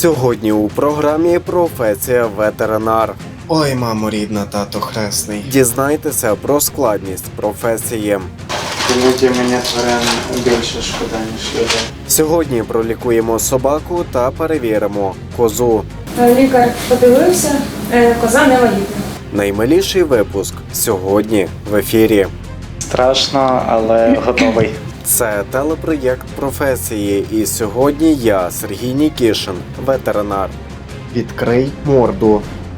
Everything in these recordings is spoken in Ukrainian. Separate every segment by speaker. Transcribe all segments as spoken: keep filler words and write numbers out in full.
Speaker 1: Сьогодні у програмі «Професія ветеринар».
Speaker 2: Ой, мамо рідна, тато хресний.
Speaker 1: Дізнайтеся про складність професії.
Speaker 2: Іноді мені тварин більше шкода, ніж людей.
Speaker 1: Сьогодні пролікуємо собаку та перевіримо козу.
Speaker 3: Лікар подивився, коза не вагітна.
Speaker 1: Наймиліший випуск сьогодні в ефірі.
Speaker 2: Страшно, але готовий.
Speaker 1: Це телепроєкт професії, і сьогодні я, Сергій Нікішин, ветеринар. Відкрий морду.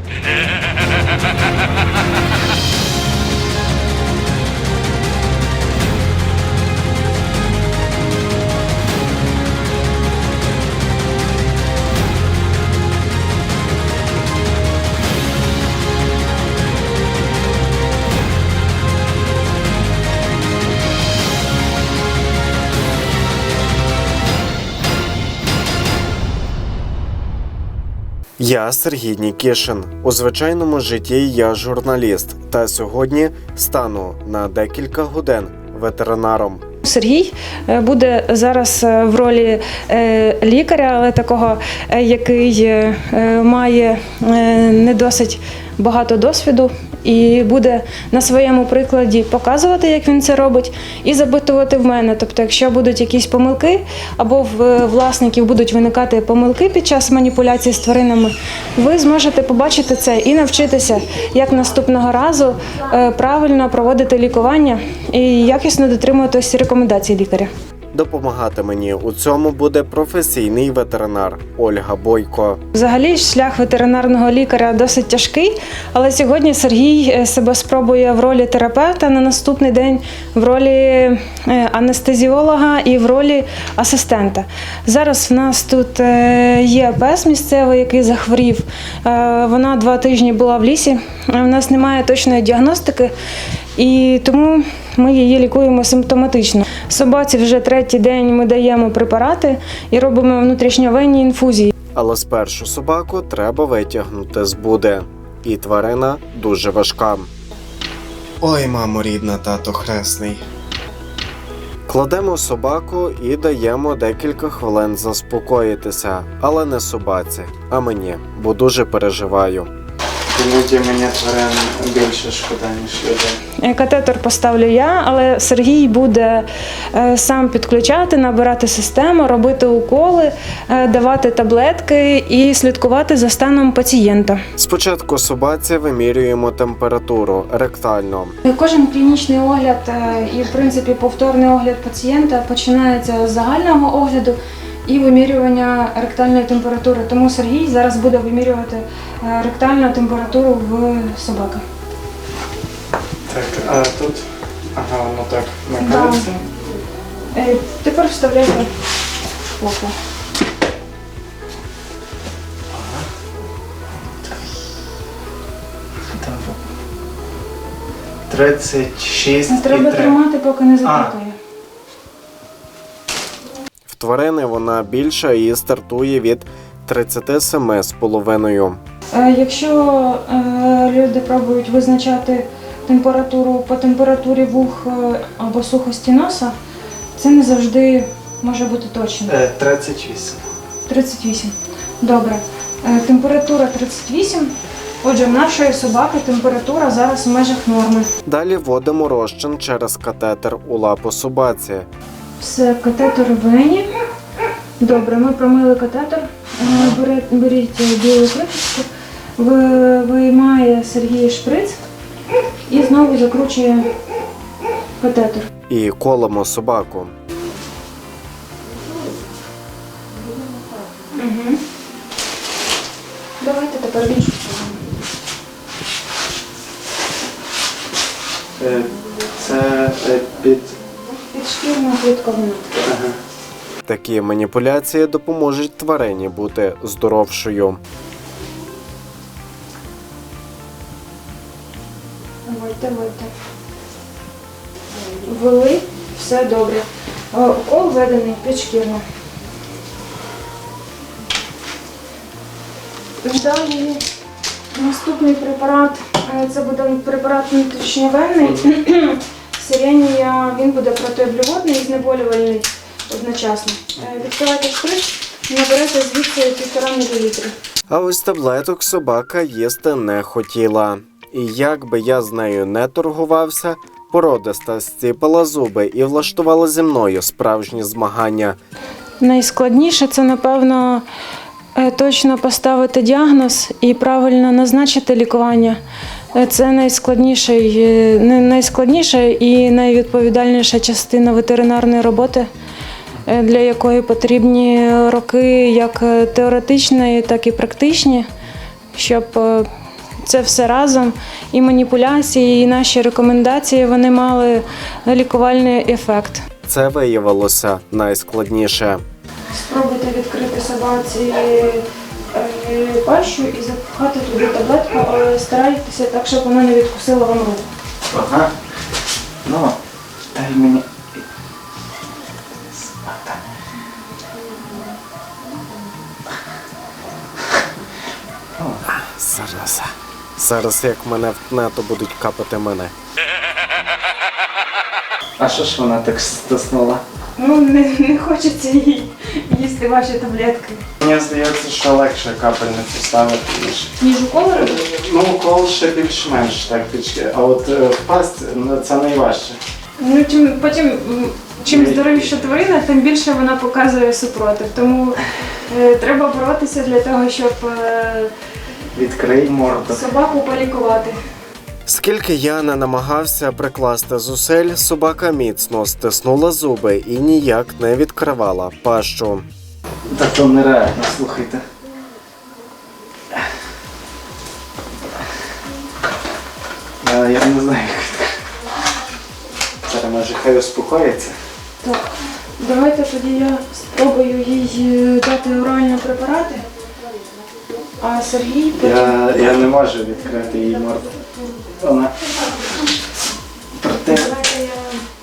Speaker 1: Я Сергій Нікішин. У звичайному житті я журналіст, та сьогодні стану на декілька годин ветеринаром.
Speaker 3: Сергій буде зараз в ролі лікаря, але такого, який має не досить багато досвіду і буде на своєму прикладі показувати, як він це робить, і запитувати в мене. Тобто, якщо будуть якісь помилки, або в власників будуть виникати помилки під час маніпуляції з тваринами, ви зможете побачити це і навчитися, як наступного разу правильно проводити лікування і якісно дотримуватися рекомендацій лікаря.
Speaker 1: Допомагати мені у цьому буде професійний ветеринар Ольга Бойко.
Speaker 3: Взагалі, шлях ветеринарного лікаря досить тяжкий, але сьогодні Сергій себе спробує в ролі терапевта, на наступний день в ролі анестезіолога і в ролі асистента. Зараз в нас тут є пес місцевий, який захворів. Вона два тижні була в лісі, у нас немає точної діагностики, і тому ми її лікуємо симптоматично. Собаці вже третій день ми даємо препарати і робимо внутрішньовенні інфузії.
Speaker 1: Але спершу собаку треба витягнути з буди. І тварина дуже важка.
Speaker 2: Ой, мамо рідна, тато хресний.
Speaker 1: Кладемо собаку і даємо декілька хвилин заспокоїтися. Але не собаці, а мені, бо дуже переживаю.
Speaker 2: Іноді мені тварин більше шкода, ніж людей.
Speaker 3: Катетер поставлю я, але Сергій буде сам підключати, набирати систему, робити уколи, давати таблетки і слідкувати за станом пацієнта.
Speaker 1: Спочатку собаці вимірюємо температуру ректально.
Speaker 3: Кожен клінічний огляд і, в принципі, повторний огляд пацієнта починається з загального огляду і вимірювання ректальної температури. Тому Сергій зараз буде вимірювати ректальну температуру в собаки.
Speaker 2: Так, а тут, ага, воно так накалиться.
Speaker 3: Да. Тепер вставляйте око.
Speaker 2: тридцять шість.
Speaker 3: Треба тримати, поки не запікає.
Speaker 1: В тварини вона більша і стартує від тридцять сім з половиною.
Speaker 3: Якщо люди пробують визначати температуру по температурі вух або сухості носа, це не завжди може бути точно.
Speaker 2: тридцять вісім.
Speaker 3: тридцять вісім. Добре. Температура тридцять вісім. Отже, в нашої собаки температура зараз в межах норми.
Speaker 1: Далі вводимо розчин через катетер у лапу собаці.
Speaker 3: Все, катетер в вені. Добре, ми промили катетер. Беріть білу кришечку, виймає Сергій шприц і знову закручує катетер.
Speaker 1: І колемо собаку.
Speaker 3: Угу. Давайте тепер в іншу сторону.
Speaker 2: Це під...
Speaker 3: Підшкірна клітковина.
Speaker 2: Ага.
Speaker 1: Такі маніпуляції допоможуть тварині бути здоровшою.
Speaker 3: Вводьте, вводьте. Ввели, все добре. Укол введений підшкірно. Далі наступний препарат, це буде препарат внутрішньовенний. Сиренія, він буде протиоблюводний і знеболювальний одночасно. Відкривайте шприц наберете звідси півтора мілілітри.
Speaker 1: А ось таблеток собака їсти не хотіла. І як би я з нею не торгувався, породиста зціпила зуби і влаштувала зі мною справжні змагання.
Speaker 3: Найскладніше це, напевно, е, точно поставити діагноз і правильно назначити лікування. Е, Це найскладніший, е, не- найскладніша і найвідповідальніша частина ветеринарної роботи, е, для якої потрібні роки як е, теоретичні, так і практичні, щоб е, це все разом, і маніпуляції, і наші рекомендації, вони мали лікувальний ефект.
Speaker 1: Це виявилося найскладніше.
Speaker 3: Спробуйте відкрити собаці е, пащу і запхати туди таблетку, але старайтеся так, щоб вона не відкусила вам руку.
Speaker 2: Ага. Ну, дай мені. Собака.
Speaker 1: Зараз. Зараз як мене втне, то будуть капати мене.
Speaker 2: А що ж вона так стиснула?
Speaker 3: Ну, не, не хочеться їй їсти ваші таблетки.
Speaker 2: Мені здається, що легше капельницю ставити, ніж.
Speaker 3: Ніж уколи?
Speaker 2: Ну, укол ще більш-менш так пічки, а от е, впасть ну, це найважче.
Speaker 3: Ну, чим, потім, м, чим здоровіша тварина, тим більше вона показує супротив. Тому е, треба боротися для того, щоб е,
Speaker 2: Відкрий морду.
Speaker 3: собаку полікувати.
Speaker 1: Скільки я не намагався прикласти зусиль, собака міцно стиснула зуби і ніяк не відкривала пащу.
Speaker 2: Так то нереально, слухайте. Я, я не знаю, як відкрити. Зараз може хай успокоїться.
Speaker 3: Так, давайте тоді я спробую їй е, дати оральні препарати, а Сергій потім...
Speaker 2: Я, я не можу відкрити її морду. Вона проте.
Speaker 3: Давайте я...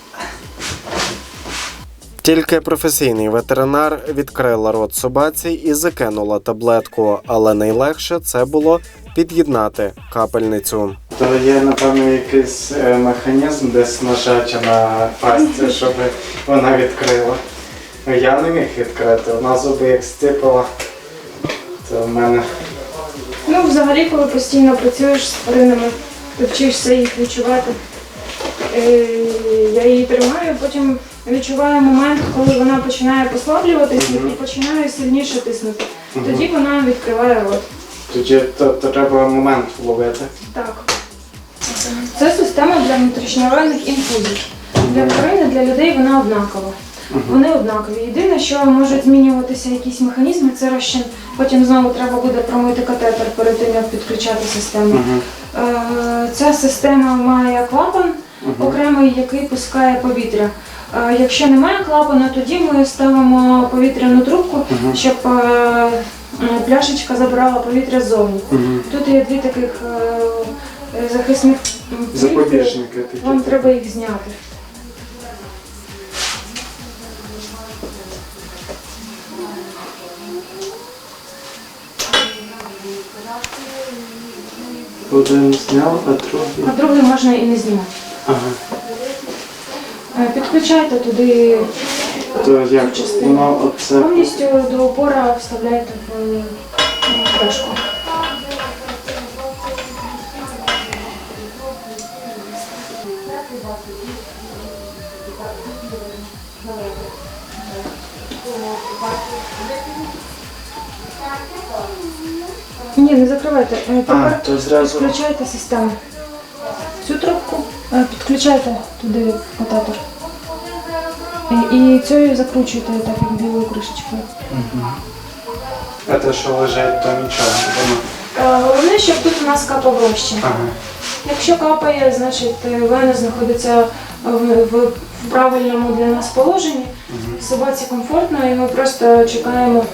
Speaker 1: Тільки професійний ветеринар відкрила рот собаці і закинула таблетку, але найлегше це було під'єднати капельницю.
Speaker 2: То є, напевно, якийсь е, механізм десь нажаття на пастці, щоб вона відкрила. Я не міг відкрити, вона зуби як стипала, то в мене.
Speaker 3: Ну, взагалі, коли постійно працюєш з тваринами, ти вчишся їх відчувати. Е, Я її тримаю, потім відчуваю момент, коли вона починає послаблюватись і починає сильніше тиснути. Тоді вона відкриває рот.
Speaker 2: Тоді то, то треба момент вловити.
Speaker 3: Так. Це система для внутрішньооральних інфузій. Для тварин і для людей вона однакова. Вони однакові. Єдине, що можуть змінюватися якісь механізми, це розчин. Потім знову треба буде промити катетер перед тим, як підключати систему. Е, Ця система має клапан окремий, який пускає повітря. Е, Якщо немає клапану, тоді ми ставимо повітряну трубку, щоб е, е, пляшечка забирала повітря ззовні. Тут є дві таких е, захисних плівки.
Speaker 2: Запобіжники такі.
Speaker 3: Вам треба їх зняти.
Speaker 2: Один зняв, а другий.
Speaker 3: А другий можна і не знімати.
Speaker 2: Ага.
Speaker 3: Е, Підключайте туди
Speaker 2: То як
Speaker 3: цю частину.
Speaker 2: воно оце.
Speaker 3: Повністю до опора вставляйте в е, пляшку. Ні, не закривайте. Е,
Speaker 2: А,
Speaker 3: Тепер
Speaker 2: то зразу.
Speaker 3: підключайте систему. Цю трубку е, підключайте туди катетер. І, і цією закручуйте так як білою кришечкою.
Speaker 2: А те, що лежить, то нічого. Воно.
Speaker 3: Е, Головне, щоб тут у нас капав розчин.
Speaker 2: Ага.
Speaker 3: Якщо капає, значить е, вена знаходиться в, в, в правильному для нас положенні. Собаці комфортно і ми просто чекаємо.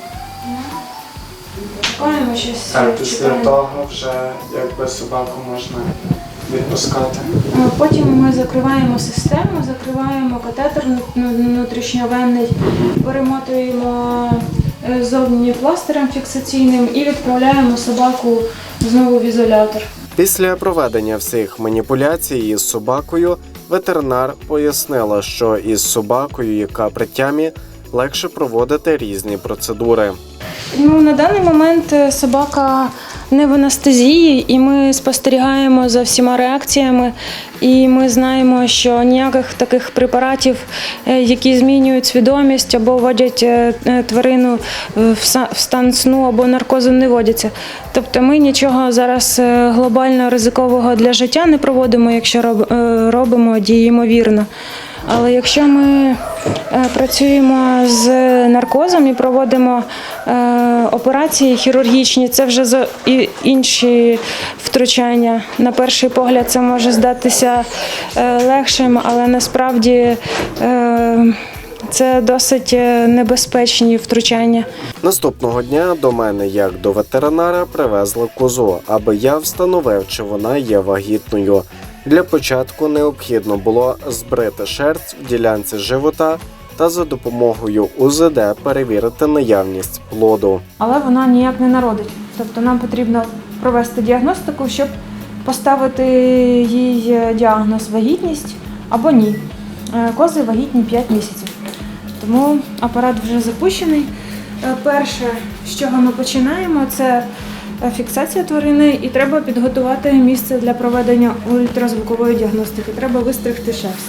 Speaker 3: Чекаємо щось.
Speaker 2: Так, після
Speaker 3: чекаємо.
Speaker 2: того вже якби собаку можна відпускати.
Speaker 3: Е, Потім ми закриваємо систему, закриваємо катетер ну, внутрішньовенний, перемотуємо е, зовні пластирем фіксаційним і відправляємо собаку знову в ізолятор.
Speaker 1: Після проведення всіх маніпуляцій із собакою ветеринар пояснила, що із собакою, яка при тямі, легше проводити різні процедури.
Speaker 3: Ну, на даний момент е, собака не в анестезії, і ми спостерігаємо за всіма реакціями. І ми знаємо, що ніяких таких препаратів, е, які змінюють свідомість або вводять е, е, тварину в са- в стан сну або наркозу, не вводяться. Тобто ми нічого зараз е, глобально ризикового для життя не проводимо, якщо роб- е, робимо, діємо вірно. Але якщо ми е, працюємо з наркозом і проводимо е, операції хірургічні, це вже за- і інші втручання. На перший погляд це може здатися е, легшим, але насправді е, це досить е, небезпечні втручання.
Speaker 1: Наступного дня до мене, як до ветеринара, привезли козу, аби я встановив, чи вона є вагітною. Для початку необхідно було збрити шерсть в ділянці живота та за допомогою У З Д перевірити наявність плоду.
Speaker 3: Але вона ніяк не народить. Тобто нам потрібно провести діагностику, щоб поставити їй діагноз вагітність або ні. Е, Кози вагітні п'ять місяців. Тому апарат вже запущений. Е, Перше, з чого ми починаємо, це фіксація тварини, і треба підготувати місце для проведення ультразвукової діагностики. Треба вистригти шерсть.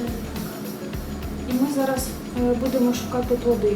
Speaker 3: І ми зараз е, будемо шукати плоди.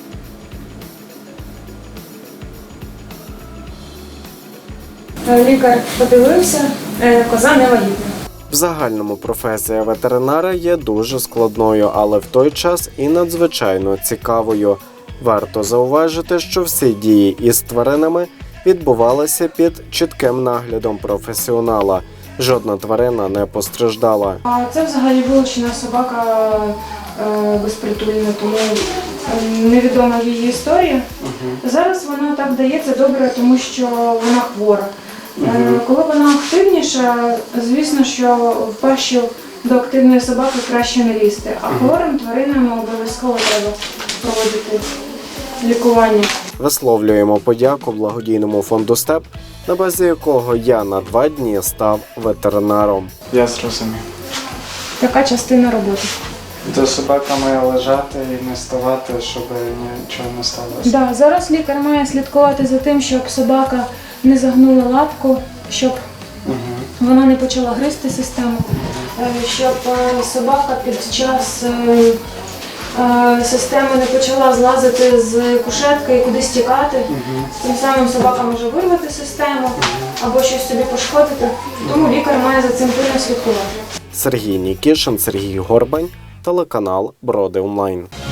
Speaker 3: Е, Лікар подивився, е, коза не вагітна.
Speaker 1: В загальному професія ветеринара є дуже складною, але в той час і надзвичайно цікавою. Варто зауважити, що всі дії із тваринами відбувалися під чітким наглядом професіонала. Жодна тварина не постраждала.
Speaker 3: А це взагалі вилучена собака е, безпритульна, тому е, невідома її історія. Зараз вона так дається добре, тому що вона хвора. Е, Коли вона активніша, звісно, що в пащу до активної собаки краще не лізти, а хворим тваринам обов'язково треба проводити лікування.
Speaker 1: Висловлюємо подяку благодійному фонду «Степ», на базі якого я на два дні став ветеринаром.
Speaker 2: Я зрозумів.
Speaker 3: Така частина роботи.
Speaker 2: То собака має лежати і не ставати, щоб нічого не сталося.
Speaker 3: Да, зараз лікар має слідкувати за тим, щоб собака не загнула лапку, щоб
Speaker 2: Угу.
Speaker 3: вона не почала гризти систему, е, щоб е, собака під час е, е, системи не почала злазити з кушетки і кудись тікати. Тим самим собака може вирвати систему або щось собі пошкодити. Тому лікар має за цим пильно слідкувати.
Speaker 1: Сергій Нікішин, Сергій Горбань, телеканал Броди Онлайн.